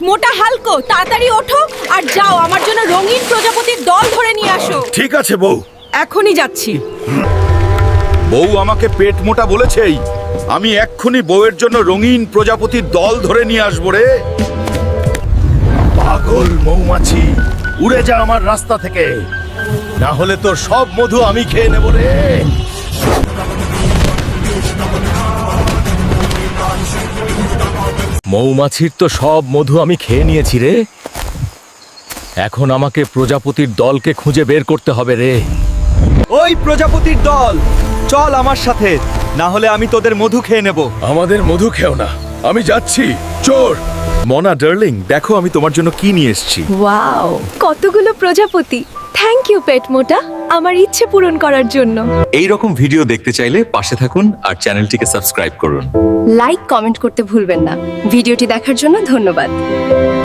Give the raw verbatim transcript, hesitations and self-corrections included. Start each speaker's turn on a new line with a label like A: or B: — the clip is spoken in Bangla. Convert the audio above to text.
A: মোটা হালকো, তাড়াতাড়ি ওঠো আর যাও আমার জন্য রঙিন প্রজাপতির দল ধরে নিয়ে আসো।
B: ঠিক আছে বউ।
A: এখনই যাচ্ছি।
B: বউ আমাকে পেট মোটা বলেছেই, আমি এক্ষুনি বউয়ের জন্য রঙিন প্রজাপতির দল ধরে নিয়ে আসবো রে। পাগল মৌমাছি, উড়ে যা আমার রাস্তা থেকে, না হলে তোর সব মধু আমি খেয়ে নেব রে।
C: মৌমাছির তো সব মধু আমি খেয়ে নিয়েছি রে। এখন আমাকে প্রজাপতির দলকে খুঁজে বের করতে হবে রে।
D: ওই প্রজাপতির দল, চল আমার সাথে, না হলে আমি তোদের মধু খেয়ে নেব।
B: আমাদের মধু খেও না, আমি যাচ্ছি। চোর মনা ডার্লিং, দেখো আমি তোমার জন্য কি নিয়ে এসেছি।
A: ওয়াও, কতগুলো প্রজাপতি। থ্যাংক ইউ পেট মোটা, আমার ইচ্ছে পূরণ করার জন্য।
E: এই রকম ভিডিও দেখতে চাইলে পাশে থাকুন আর চ্যানেলটিকে সাবস্ক্রাইব করুন।
A: লাইক কমেন্ট করতে ভুলবেন না। ভিডিওটি দেখার জন্য ধন্যবাদ।